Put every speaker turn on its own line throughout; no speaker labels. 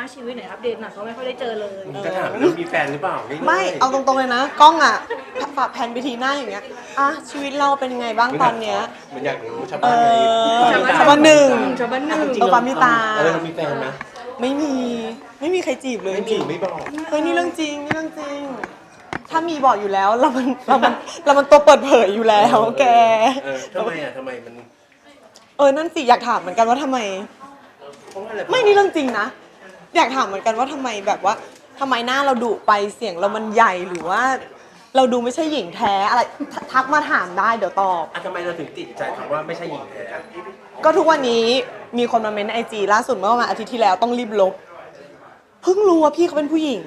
ษณ์ชีวิตหน่อยอัปเดตหน่อยเพราะไม่ค่อยได้เจอเลย
จะถามเรื่องมีแฟนหรือเปล่า
ไม่เอาตรงๆเลยนะกล้องอ่ะฝากแผนไปทีหน้าอย่างเงี้ยชีวิตเราเป็นยังไงบ้างตอนเนี้ย
มันอยากรู้ชาวบ้านไง
ชาวบ้านหนึ่ง
ชาวบ้านหนึ่ง
ปามิตา
เรามีแฟนไหม
ไม่มีใครจีบเลย
ไม่จีบไม่บอก
เฮ้ยนี่เรื่องจริงถ้ามีบอกอยู่แล้วเรามันตัวเปิดเผยอยู่แล้วแก
ทำไมมัน
นั่นสิอยากถามเหมือนกันว่าทำไม
เพราะว่าอะไร
ไม่นี่เรื่องจริงนะอยากถามเหมือนกันว่าทำไมแบบว่าทำไมหน้าเราดุไปเสียงเรามันใหญ่หรือว่า เราดูไม่ใช่หญิงแท้อะไรทักมาถามได้เดี๋ยวตอบ
ทำไมเราถึงติดใจคำว่าไม่ใช่หญิงแท้
ก็ทุกวันนี้มีคนมาเม้นไอจีล่าสุดเมื่อประมาณอาทิตย์ที่แล้วต้องรีบลบเพิ่งรู้ว่าพี่เขาเป็นผู้หญิง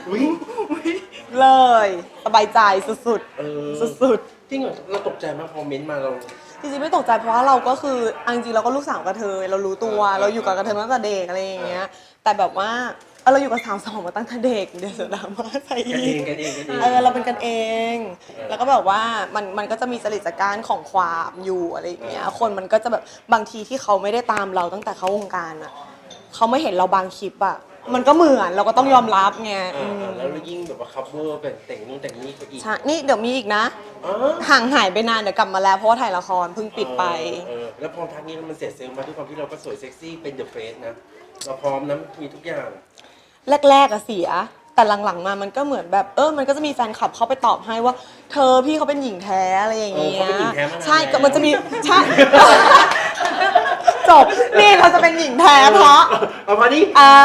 เลยสบายใจสุดๆสุด
จริงเหรอเราตกใจมากพอเม้นต์มาเรา
ๆจริงๆไม่ตกใจเพราะว่าเราก็คือเอาจริงๆเราก็ลูกสาวกระเทยเรารู้ตัวเราอยู่กับกระเทยมาตั้งแต่เด็กอะไรอย่างเงี้ยแต่แบบว่าเราอยู่กับสาวสองมาตั้งแต่เด็กเดี๋ยวเสียดราม่าใส่อีกเราเป็นกันเองแล้วก็แบบว่ามันก็จะมีจริตจักรของความอยู่อะไรอย่างเงี้ยคนมันก็จะแบบบางทีที่เขาไม่ได้ตามเราตั้งแต่เข้าวงการอ่ะเขาไม่เห็นเราบางคลิปอ่ะมันก็เหมือนเราก็ต้องยอมรับไง
แล้วยิ่งแบบว่าคัฟเวอร์เป็นแต่งนู่นแต่งนี่ก็อีก
ใช่นี่เดี๋ยวมีอีกนะห่างหายไปนานเดี๋ยวกลับมาแล้วเพราะว่าถ่ายละครเพิ่งปิดไป
แล้วพอพักนี้มันเสร็จเซลล์มาด้วยความที่เราก็สวยเซ็กซี่เป็นเดอะเฟสนะเราพร้อมนะมีทุกอย่าง
แรกๆอะเสียแต่หลังๆมามันก็เหมือนแบบมันก็จะมีแฟนคลับเข้าไปตอบให้ว่าเธอพี่เขาเป็นหญิงแท้อะไรอย่างเงี้ยใช่ก็มันจะมีใช่จบนี่เราจะเป็นหญิงแท้เพราะ
นี้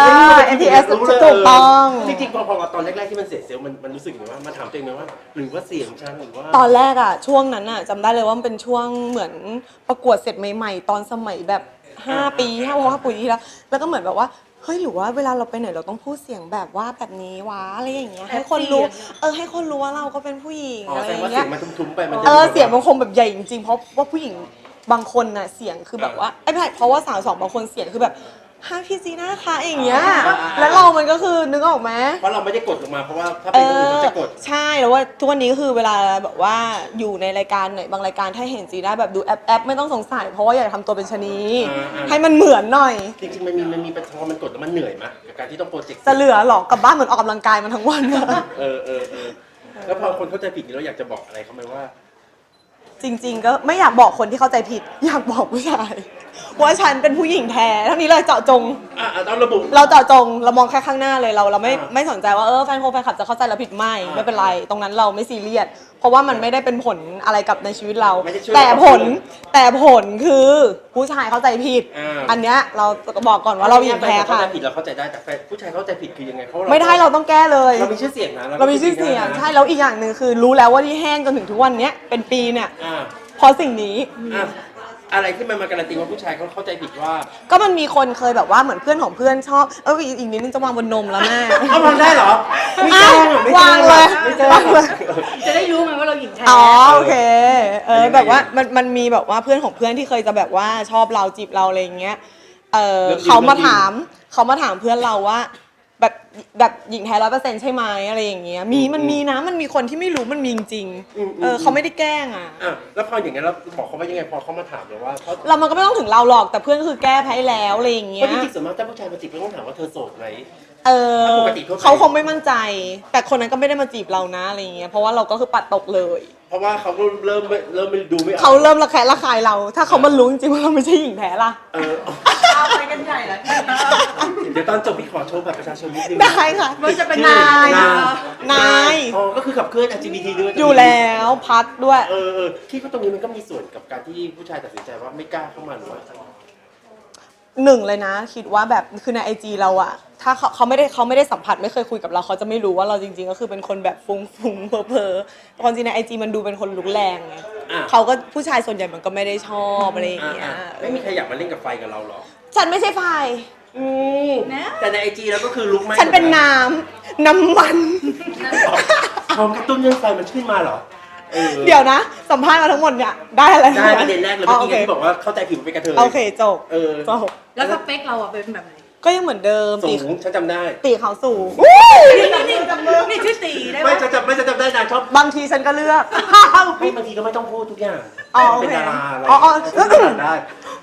MTS ถูกต้อง
จริงๆพอตอนแรกๆที่มันเสร็จเซลล์มันรู้สึกอย่างว่ามาถามตัวเองไหมว่าหรือว่าเสียงฉันหรือว่า
ตอนแรกอะช่วงนั้นอะจำได้เลยว่ามันเป็นช่วงเหมือนประกวดเสร็จใหม่ๆตอนสมัยแบบ5 ปีที่แล้วก็เหมือนแบบว่าเฮ้ยหรือว่าเวลาเราไปไหนเราต้องพูดเสียงแบบว่าแบบนี้วะอะไรอย่างเงี้ยให้คนรู้ให้คนรู้ว่าเราก็เป็นผู้หญิงอะไรอย่างเงี้ย
เสียงมันทุ้มๆไปมัน
เสียงมันคงแบบใหญ่จริงๆเพราะว่าผู้หญิงบางคนน่ะเสียงคือแบบว่าไม่ใช่เพราะว่าสาวสองบางคนเสียงคือแบบพี่จีน่าคะอย่างเงี้ยแล้วเรามันก็คือนึกออกไหม
เพราะเราไม่ได้กดลงมาเพราะว่าถ้าเป็นคนอื่นเขาจะกด
ใช่แล้วว่าทุกวันนี้ก็คือเวลาแบบว่าอยู่ในรายการไหนบางรายการถ้าเห็นจีน่าแบบดูแอปไม่ต้องสงสัยเพราะว่าอยากทำตัวเป็นชะนีให้มันเหมือนหน่อย
จริงๆมันมีพอมันกดแล้วมันเหนื่อยมั้ยกับการที่ต้องโปรเจกต์
จะเหลือหรอกลับบ้านเหมือนออกกำลังกายมันทั้งวัน
แล้วพอคนเข้าใจผิดเราอยากจะบอกอะไรเขาไหมว่า
จริงๆก็ไม่อยากบอกคนที่เข้าใจผิดอยากบอกผู้ชายว่าฉันเป็นผู้หญิงแท้เท่านี้เลยเจาะจง
ต้องระบุ
เราเจาะจงเรามองแค่ข้างหน้าเลยเราไม่สนใจว่าแฟนคลับจะเข้าใจเราผิดไม่เป็นไรตรงนั้นเราไม่ซีเรียสเพราะว่ามันไม่ได้เป็นผลอะไรกับในชีวิตเราแต่ผลคือผู้ชายเข้าใจผิดอันเนี้ยเราบอกก่อนว่าเราหญิงแท้ค่ะ
เข้าใจผิดเราเข้าใจได้แต่ผู้ชายเข้าใจผิดคือยังไงเพราะ
ไม่ได้เราต้องแก้เลย
เรามีชื่อเสียงนะ
เรามีชื่อเสียงใช่แล้วอีกอย่างหนึ่งคือรู้แล้วว่าที่แห้งจนถึงทุกวันเนี้ยเป็นปีเนี่ยเพราะสิ่งนี้
อะไรที่มันมาการันตีว่าผู้ชายเขาเข้าใจผิดว่า
ก็มันมีคนเคยแบบว่าเหมือนเพื่อนของเพื่อนชอบอีกนิดนึงจะวางบนนมแล้วแม่
วางได้เหรอไม่แจ้ง
วางเลย
จะได้รู้ไงว่าเราหญิงแท้
โอเคแบบว่ามันมีแบบว่าเพื่อนของเพื่อนที่เคยจะแบบว่าชอบเราจีบเราอะไรอย่างเงี้ยเขามาถามเพื่อนเราว่าแบบหญิงแท้100%ใช่ไหมอะไรอย่างเงี้ยมันมีคนที่ไม่รู้มันมีจริงเขาไม่ได้แกล้ง
แล้วพออย่างเงี้ยเราบอกเขาว่ายังไงพอเขามาถามเราว่า
มันก็ไม่ต้องถึงเราหรอกแต่เพื่อนคือแก้แพ้แล้วอะไรอย่างเงี้ย
จริงๆส่วนมากถ้าผู้ชายมาจีบต้องถามว่าเธอโสดไหม
เขาคงไม่มั่นใจแต่คนนั้นก็ไม่ได้มาจีบเรานะอะไรอย่างเงี้ยเพราะว่าเราก็คือปัดตกเลย
เพราะว่าเขาก็เริ่มดูไม่ออก
เขาเริ่มระแคะระคายเราถ้าเขามารู้จริงๆว่าเราไม่ใช่หญิงแท้ล่ะ
เอาไปกันใหญ่แล้ว
เดี๋ยวตอนจบพี่ขอโชว์บัตรประชาชนนิดนึง
ได้ค่ะ
มันจะเป็นน
าย
ก็คือขับเคลื่อน LGBT ด้วย
อยู่แล้วพัดด้วย
คิดว่าตรงนี้มันก็มีส่วนกับการที่ผู้ชายตัดสินใจว่าไม่กล้าเข้ามาหรือว่า
หนึ่งเลยนะคิดว่าแบบคือใน IG เราอะถ้าเขาไม่ได้สัมผัสไม่เคยคุยกับเราเขาจะไม่รู้ว่าเราจริงๆก็คือเป็นคนแบบฟุ้งเพ้อความจริงใน IG มันดูเป็นคนลุกแรงไงเขาก็ผู้ชายส่วนใหญ่มันก็ไม่ได้ชอบอะไรอย่างเงี้ย
ไม่มีใครอยากมาเล่นกับไฟกับเราหรอ
ฉันไม่ใช่ไฟ
แต่ใน IG แล้วก็คือลุกไหม
ฉันเป็นน้ำมัน
ของกระตุ้นเรื่องไฟมันขึ้นมาหรอ
เดี๋ยวนะสัมภาษณ์มาทั้งหมดเนี่ยได้อะไร
ได้ประเด็นแรกเลยเมื่อกี้ที่บอกว่าเข้าใจผิดเป็นกระเทย
โอเคจบ
แล้วสเปคเราเป็นแบบไหน
ก็ยังเหมือนเดิม
สูงฉันจำได้
ตีเขาสูง
นี่ชื่อตีได้ไหม
ไม่จะจำได้นะชอบบ
างทีฉันก็เลือก
บางทีก็ไม่ต้องพูดทุกอย่าง
เป็น
ดาราอะไร
ได้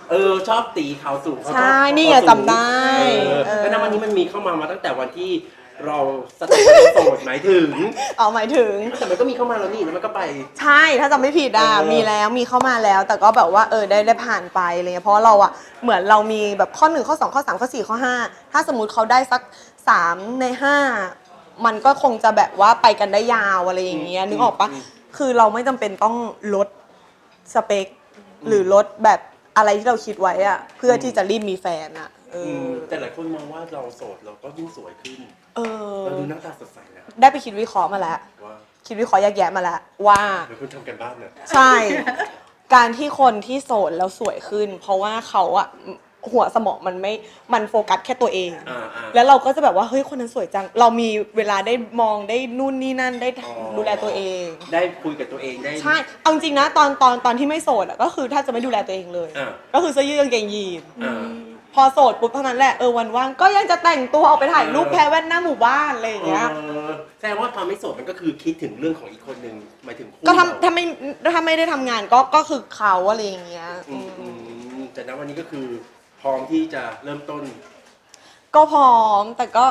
ชอบตีขาวสูงเขาชอบ
ใช่นี่ไงจำได้
แล้วณวันนี้มันมีเข้ามาตั้งแต่วันที่เราสถานะโสดหมายถึง
หมายถึง
แต่มันก็มีเข้ามาแล้วนี่แล้วมันก็ไป
ใช่ถ้าจำไม่ผิดมีแล้วมีเข้ามาแล้ว แต่ก็แบบว่าได้ผ่านไปอะไรเงี้ยเพราะเราอะเหมือนเรามีแบบข้อ1ข้อ2ข้อ3ข้อ4ข้อ5ถ้าสมมุติเขาได้สัก3ใน5มันก็คงจะแบบว่าไปกันได้ยาวอะไรอย่างเงี้ยนึกออกปะคือเราไม่จำเป็นต้องลดสเปคหรือลดแบบอะไรที่เราคิดไว้อะเพื่อที่จะรีบมีแฟนอะ
แต่หลายคนมองว่าเราโสดเราก็ยิ่งสวยขึ้นเราดูหน้าตาสดใสนะ
ได้ไปคิดวิเคราะห์มาแล้วคิดวิเคราะห์แยกแยะมาแล้วว่า
เดี๋ยวคุณทำกันบ้านนะ
ใช่ การที่คนที่โสดแล้วสวยขึ้น เพราะว่าเขาอะหัวสมองมันโฟกัสแค่ตัวเองแล้วเราก็จะแบบว่าเฮ้ยคนนั้นสวยจังเรามีเวลาได้มองได้นู่นนี่นั่นได้ดูแลตัวเอง
ได้คุยกับตัวเองได้
ใช่เอาจริงนะตอนที่ไม่โสดอะก็คือถ้าจะไม่ดูแลตัวเองเลยก็คือเสื้อยืดกางเกงยีนพอโสดปุ๊บเท่านั้นแหละวันว่างก็ยังจะแต่งตัวออกไปถ่ายรูปแพ้แว่นหน้าหมู่บ้านอะไรอย่างเงี้ย
แสดงว่าตอนไม่โสดมันก็คือคิดถึงเรื่องของอีกคนนึงหมายถึง
ก็ถ้าไม่ได้ทำงานก็คือเขาอะไรอย่างเงี้ย
แต่ณวันนี้ก็คือพร้อมที่จะเริ่มต้น
ก็พร้อมแต่ก็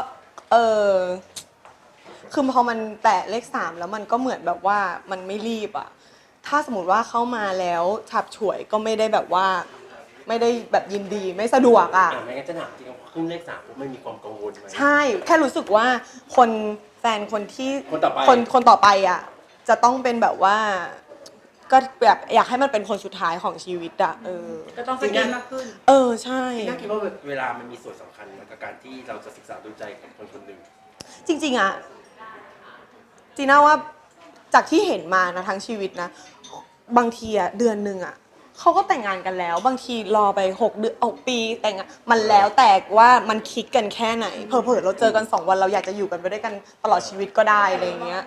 คือพอมันแตะเลข3แล้วมันก็เหมือนแบบว่ามันไม่รีบอะถ้าสมมติว่าเข้ามาแล้วฉับฉวยก็ไม่ได้แบบว่าไม่ได้แบบยินดีไม่สะดวกอะ
ไม่งั้นจะถามจริงๆขึ้นเลข3ผมไม่มีความกังวลไหม
ใช่แค่รู้สึกว่าแฟนคนที่
คนต่อไป
คนต่อไปอะจะต้องเป็นแบบว่าก็แบบอยากให้มันเป็นคนสุดท้ายของชีวิตอะ
ก็ต้องสนิทมากขึ้น
ใช่
น่าคิดว่าเวลามันมีส่วนสำคัญกับการที่เราจะศึกษาดูใจกับคนคนหนึ่ง
จริงๆอะจีน่าว่าจากที่เห็นมานะทั้งชีวิตนะบางทีอะเดือนนึงอะเขาก็แต่งงานกันแล้วบางทีรอไป6 เดือน6 ปีแต่งงานมันแล้วแต่ว่ามันคลิกกันแค่ไหนเผลอๆเราเจอกัน2 วันเราอยากจะอยู่กันไปด้วยกันตลอดชีวิตก็ได้อะไรอย่างเงี้ย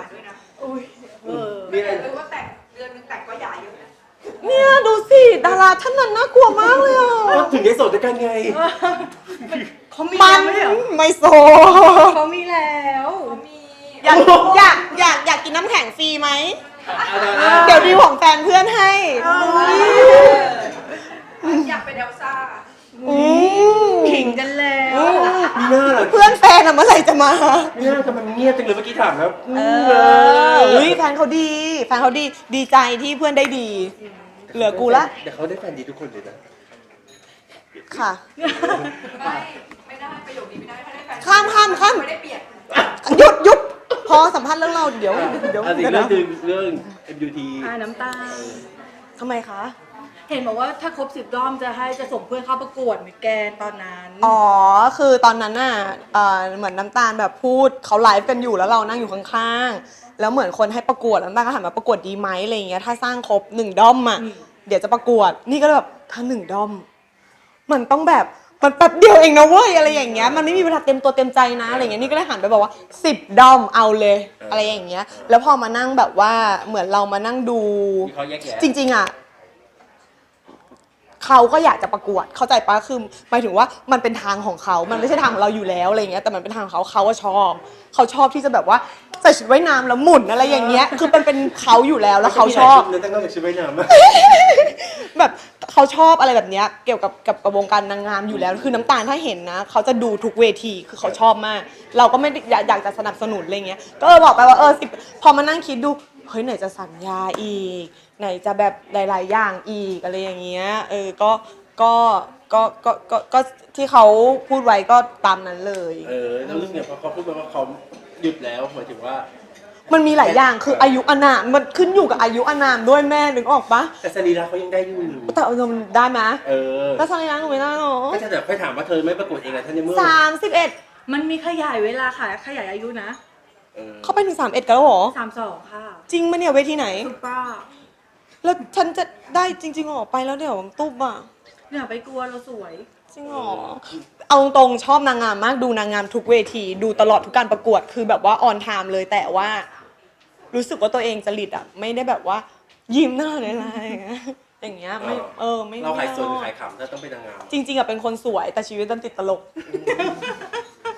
มีอะไร
ว่าแต่งเดือนนึงแต่งก็หย่าอยู่นะ
เนี่ยดูสิดาราท่านนั้นน่ากลัวมากเลยอ่ะ
ถึงได้โสดด้วยกันไง
เขามี
ไม่โสด
เขามีแล้ว
อยากกินน้ำแข็งฟรีไหมเดี๋ยวดีของแฟนเพื่อนให้
อยากเป็นเอลซ่าขิงกันแล้ว
เพื่อนแฟนอะเมื่อไหร่จะมา
เนี่ยทำไมมันเงียบจังเลยเมื่อกี้ถามแล้ว
แฟนเขาดีใจที่เพื่อนได้ดีเหลือกูละ
แต่เขาได้แฟนดีทุกคนเลยนะ
ค่ะ
ไม่ได้ประโยคนี้ไม่ได้ถ้าได้แฟน
ข้าม
ไม่ได้เปลี่ยน
หยุดพอสัมภาษณ์เรื่องเราเดี๋ยว
เรื่อง MUT
น้ำตา
ทำไมคะ
เห็นบอกว่าถ้าครบ10 รอบจะส่งเพื่อนเข้าประกวดมิสแกรนด์ตอนนั้น
คือตอนนั้นน่ะเหมือนน้ำตาลแบบพูดเขาไลฟ์กันอยู่แล้วเรานั่งอยู่ข้างๆแล้วเหมือนคนให้ประกวดน้ำตาลก็ถามมาประกวดดีไหมอะไรอย่างเงี้ยถ้าสร้างครบ1 ด้อมอ่ะเดี๋ยวจะประกวดนี่ก็แบบถ้า1 ด้อมมันต้องแบบมันแป๊บเดียวเองนะเว้ยอะไรอย่างเงี้ยมันไม่มีเวลาเต็มตัวเต็มใจนะอะไรอย่างเงี้ยนี่ก็เลยหันไปบอกว่า10 ด้อมเอาเลยอะไรอย่างเงี้ยแล้วพอมานั่งแบบว่าเหมือนเรามานั่งดูจริงๆอ่ะเขาก็อยากจะประกวดเข้าใจปะคือหมายถึงว่ามันเป็นทางของเขามันไม่ใช่ทางของเราอยู่แล้วอะไรเงี้ยแต่มันเป็นทางของเขาว่าเขาชอบที่จะแบบว่าใส่ชุดว่ายน้ำแล้วหมุนอะไรอย่างเงี้ยคือมันเป็นเขาอยู่แล้วแล้วเขาชอบ
ตั้งแต่ชุดว่ายน้
ำแบบเขาชอบอะไรแบบเนี้ยเกี่ยวกับวงการนางงามอยู่แล้วคือน้ำตาลถ้าเห็นนะเขาจะดูทุกเวทีคือเขาชอบมากเราก็ไม่อยากจะสนับสนุนอะไรเงี้ยก็บอกไปว่า10พอมานั่งคิดดูเฮ้ยไหนจะสัญญาอีกไหนจะแบบหลายๆอย่างอีกอะไรอย่างเงี้ยก็ที่เขาพูดไว้ก็ตามนั้นเลย
แล้วรู้สึกพอเขาพูดมาว่าเขาหยุดแล้วหมายถึงว่า
มันมีหลายอย่างคืออายุอานามมันขึ้นอยู่กับอายุอานามด้วยแม่นึกออกปะ
แต่สรีระเขายังได้อยู่
แต่มันได้ไหมแล้วสรีระหนูไม่ได้หรอ
ก็จะไปถามว่าเธอไม่ประกวดเองเหรอท่านในเมื่อ
31
มันมีขยายเวลาค่ะขยายอายุนะ
เขาไปถึง31กันแล้วหรอ
32ค่ะ
จริงมั้ยเนี่ยเวทีไหน
ถูกป่ะ
แล้วฉันจะได้จริงๆออกไปแล้วเดี๋ยวตุ๊บอ่ะ
อย่าไปกลัวเราสวย
จริงหรอเอาตรงชอบนางงามมากดูนางงามทุกเวทีดูตลอดทุกการประกวดคือแบบว่าออนไทม์เลยแต่ว่ารู้สึกว่าตัวเองจริตอ่ะไม่ได้แบบว่ายิ้มหน้าเลยอะไรอย่างเงี้ยไม่
เราขายสวยหรือขายขำถ้าต้องเป็นนางงาม
จริงๆอ่ะเป็นคนสวยแต่ชีวิตดันติดตลก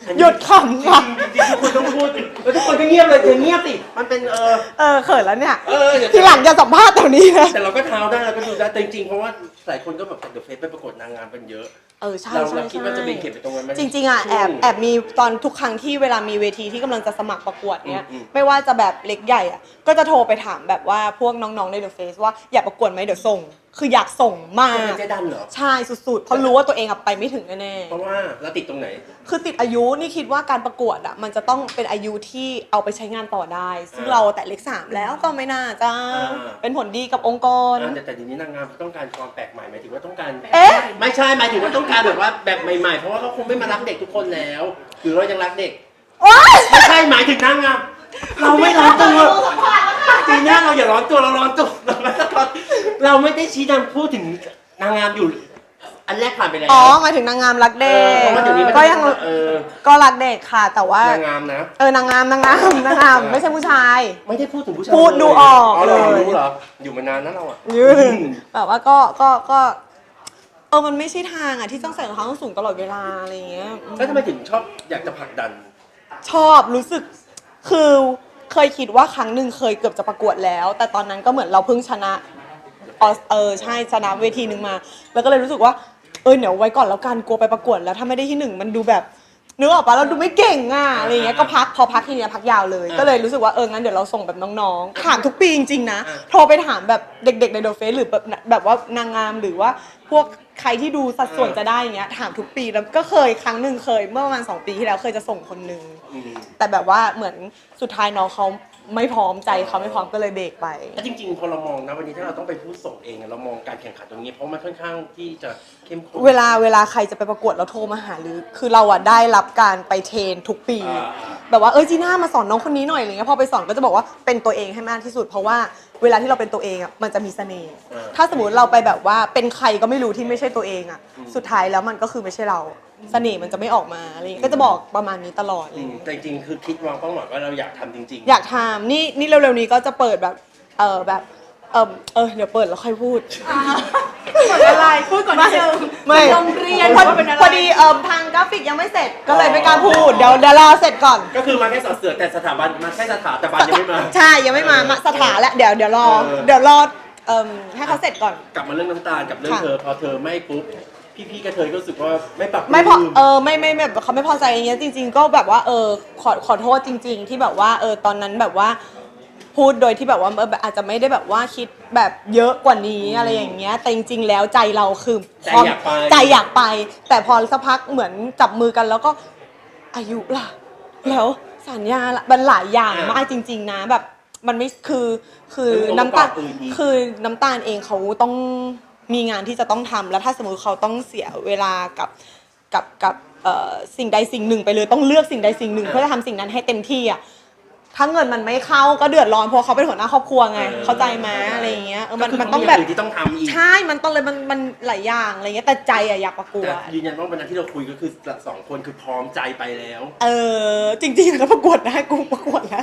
หยุดขำค่ะ
จริงๆทุกคนต้องพูดแล้วทุกคนก็เงียบเลยเธอเงียบสิมันเป็น
เขินแล้วเนี่ย
เดี๋ยว
ทีหลังจะสัมภาษณ์แถวนี้นะ
แต่เราก็เท้าได้เราก็ดูได้แต่จริงๆเพราะว่าหลายคนก็แบบเดอะเฟซไปประกวดนางงามกันเยอะ
ใช่
เราคิดว่าจะเป็นเข็มไปตรงนั้นไหม
จริงๆอ่ะแอบมีตอนทุกครั้งที่เวลามีเวทีที่กำลังจะสมัครประกวดเนี้ยไม่ว่าจะแบบเล็กใหญ่อ่ะก็จะโทรไปถามแบบว่าพวกน้องๆในเดอะเฟซว่าอยากประกวดไหมเดี๋ยวส่ง คืออยากส่งมาก
เป็นเจ๊ดันเหรอ
ใช่สุดๆเพราะรู้ว่าตัวเองอะไปไม่ถึงแน่
เพราะว่าเราติดตรงไหน
ๆคือติดอายุนี่คิดว่าการประกวดอ่ะมันจะต้องเป็นอายุที่เอาไปใช้งานต่อได้ ซึ่งเราแต่เลข3แล้วก็ไม่น่าจะเป็นผลดีกับองค์กร
แต่ทีนี้นางงามต้องการความแปลกใหม่หมายถึงว่าต้องการ
เอ๊ะ
ไม่ใช่หมายถึงว่าต้องการแบบว่าแบบใหม่ๆเพราะว่าเขาคงไม่มารักเด็กทุกคนแล้วหรือเรายังรักเด็ก
โอ๊ย
ไม่ใช่หมายถึงนางงามเราไม่ร้อนตัวปีหน้าเราอย่าร้อนตัวเราร้อนตัวเราไม่ได้ชี้นำพูดถึงนางงามอยู่อันแรกผ่านไปแล้ว
หมายถึงนางงามรักเด็ก
เพราะว่าเดี๋ยวนี้มัน
ก็ยังก็รักเด็กค่ะ แต่ว่าน
างงามนะ
นางงามไม่ใช่ผู้ชาย
ไม่ได้พูดถึงผู้ชาย
พูดดูออก
เรา
เลย
รู้เหรออยู่มานานนะเราอ่ะ
ยืนแบบว่าก็มันไม่ใช่ทางอ่ะที่ต้องใส่รองเท้าส้นสูงตลอดเวลาอะไรอย่างเงี้ย
แล้วทำไมถึงชอบอยากจะผลักดัน
ชอบรู้สึกคือเคยคิดว่าครั้งหนึ่งเคยเกือบจะประกวดแล้ว แต่ตอนนั้นก็เหมือนเราเพิ่งชนะใช่ชนะเวทีหนึ่งมา แล้วก็เลยรู้สึกว่าเดี๋ยวไว้ก่อนแล้วกันกลัวไปประกวดแล้วถ้าไม่ได้ที่หนึ่งมันดูแบบนึกออกปะเราดูไม่เก่งอ่ะอะไรอย่างเงี้ยก็พอพักทีเนี้ยพักยาวเลย ก็เลยรู้สึกว่างั้นเดี๋ยวเราส่งแบบน้องๆถามทุกปีจริงๆนะโทรไปถามแบบเด็กๆในเดอะเฟซหรือแบบว่านางงามหรือว่าพวกใครที่ดูสัดส่วนจะได้อย่างเงี้ยถามทุกปีแล้วก็เคยครั้งหนึ่งเคยเมื่อประมาณ2 ปีที่แล้วเคยจะส่งคนนึงแต่แบบว่าเหมือนสุดท้ายน้องเขาไม่พร้อมใจเขาไม่พร้อมก็เลยเบรกไป
แล้วจริงๆพอเรามองนะวันนี้ถ้าเราต้องไปพูดส่งเองเรามองการแข่งขันตรงนี้เพราะมันค่อนข้างที่จะเข้มข้น
เวลาใครจะไปประกวดเราโทรมาหาหรือคือเราอะได้รับการไปเทรนทุกปี แบบว่าจีน่ามาสอนน้องคนนี้หน่อยอะไรเงี้ยพอไปสอนก็จะบอกว่าเป็นตัวเองให้มากที่สุด เพราะว่าเวลาที่เราเป็นตัวเองอะมันจะมีเสน่ห์ถ้าสมมติเราไปแบบว่าเป็นใครก็ไม่รู้ที่ไม่ใช่ตัวเองอะสุดท้ายแล้วมันก็คือไม่ใช่เราเสน่ห์มันจะไม่ออกมาอะไรเงี้ยก็จะบอกประมาณนี้ตลอดเลย
แต่จริงๆคือคิดวางเป้าหมายว่าเราอยากทำจริงๆ
อยากทำนี่เร็วๆนี้ก็จะเปิดแบบแบบเดี๋ยวเปิดแล้วค่อยพูด
ก่อนอะไรพูดก่อนนิดนึง
ไม่
โรงเรียน
พอดีทางกราฟิกยังไม่เสร็จก็เลยไม่กล้าพูดเดี๋ยวรอเสร็จก่อน
ก็คือมาแค่สอดเสือแต่สถาบันมาแค่สถาบันยังไม่มา
ใช่ยังไม่มาสถาแล้วเดี๋ยวรอให้เขาเสร็จก่อน
กลับมาเรื่องน้ำตาลกับเรื่องเธอพอเธอไม่ปุ๊บพี่กระเทยก็รู้สึกว่าไม่ปรับ
ไม่พอไม่แบบเขาไม่พอใจอย่างเงี้ยจริง ๆ ก็แบบว่าขอโทษจริง ๆ ที่แบบว่าตอนนั้นแบบว่าพูดโดยที่แบบว่าอาจจะไม่ได้แบบว่าคิดแบบเยอะกว่านี้อะไรอย่างเงี้ยแต่จริง ๆ แล้วใจเราคือใจอยากไปแต่พอสักพักเหมือนจับมือกันแล้วก็อายุล่ะแล้วสัญญาละมันหลายอย่างมากจริง ๆ นะแบบมันไม่คือน้ำตาลเองเขาต้องมีงานที่จะต้องทำแล้วถ้าสมมติเขาต้องเสียเวลากับสิ่งใดสิ่งหนึ่งไปเลยต้องเลือกสิ่งใดสิ่งหนึ่งเพื่อจะทำสิ่งนั้นให้เต็มที่อ่ะถ้าเงินมันไม่เข้าก็เดือดร้อนเพราะเขาเป็นหัวหน้าครอบครัวไงเข้าใจไหมอะไรอย่างเงี้ยมันต้องแบบ
ที่ต้องทำอีก
ใช่มันต้องเลยมันหลายอย่างอะไรเงี้ยแต่ใจอะอยากประกวด
ยืนยันว่าวันนั้นที่เราคุยก็คือ2 คนคือพร้อมใจไปแล้ว
จริงๆแล้วประกวดได้กูประกวดแล้ว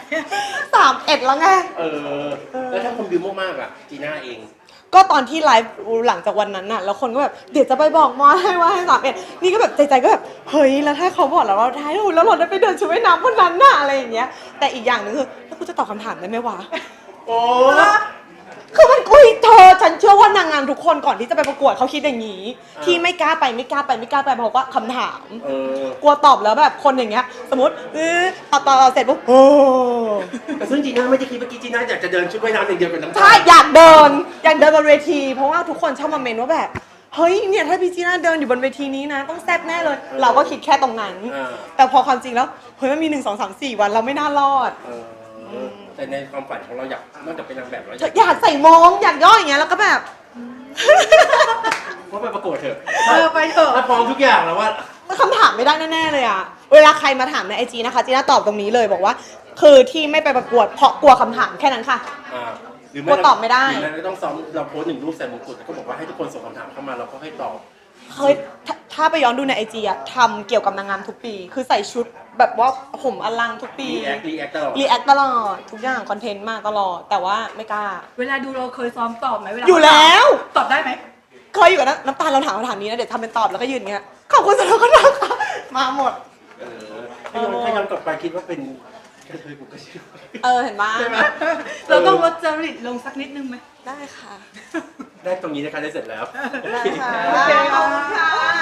31แล้วไง
แล้วถ้าคนบิวมากๆอ่ะจีน่าเอง
ก็ตอนที่ไลฟ์หลังจากวันนั้นน่ะแล้วคนก็แบบเดี๋ยวจะไปบอกมอให้ว่าให้31นี่ก็แบบใจก็แบบเฮ้ยแล้วถ้าเขาบอกแล้วว่าท้ายแล้วเราได้ไปเดินชุดว่ายน้ำวันนั้นน่ะอะไรอย่างเงี้ยแต่อีกอย่างนึงคือแล้วกูจะตอบคำถามได้ไหมวะ
โอ้
คือมันฉันเชื่อว่านางงามทุกคนก่อนที่จะไปประกวดเขาคิดอย่างนี้ที่ไม่กล้าไปเพราะว่าคำถามกลัวตอบแล้วแบบคนอย่างเงี้ยสมมติตอบเสร็จปุ๊บ
แต่ซึ่งจีน่าไม่ได้คิดเมื่อกี้จีน่าอยากจะเดินชุดว่ายน้ำอย่างเดียวกับน้ำตาล
ใช่อยากเดินบนเวทีเพราะว่าทุกคนชอบมาเมนว่าแบบเฮ้ยเนี่ยถ้าพี่จีน่าเดินอยู่บนเวทีนี้นะต้องแซ่บแน่เลยเราก็คิดแค่ตรงนั้นแต่พอความจริงแล้วเฮ้ยมันมี1 2 3 4 วันเราไม่น่ารอด
แต่ในความฝันของเราอยากนอกจากเป็นนางแบบเรา
อยากใส่มงอยากย่ออย่างเงี้ยแล้วก็แบบ
ว่าไปประกวดเถอะ
ไปเถอะ
ถ้าพร้อมทุกอย่างแล้วว่า
คำถามไม่ได้แน่ๆเลยอะเวลาใครมาถามในIGนะคะจีน่าตอบตรงนี้เลยบอกว่าคือที่ไม่ไปประกวดเพราะกลัวคำถามแค่นั้นค่ะ
หรือ
ไม่ตอบไม่ได้
หรือไม่ต้องซ้อมเราโพส1 รูปใส่มงกุฎก็บอกว่าให้ทุกคนส่งคำถามเข้ามาเราก็ให้ตอบ
เคยถ้าไปย้อนดูในIGอะทำเกี่ยวกับนางงามทุกปีคือใส่ชุดแบบว่าผมอลังทุกปีรีแอคตลอดทุกอย่างคอนเทนต์มาตลอดแต่ว่าไม่กล้า
เวลาดูเราเคยซ้อมตอบไหมเวลา
อยู่แล้ว
ตอบได้ไหม
เคยอยู่กับน้ำตาลเราถามคำถามนี้นะเดี๋ยวทำเป็นตอบแล้วก็ยืนเงี้ยขอบคุณสำหรับคำถามมาหมด
ถ้าย้อนกลับไปคิดว่าเป็นกระเทยผมก็เชื่อ
เห็นปะ
ใช่ไหม
เราต้องลดจริตลงสักนิดนึงไหม
ได้ค่ะ
ได้ตรงนี้นะคะได้เสร็จแล้ว
ได้ค่ะ
โอเคขอบคุณค่ะ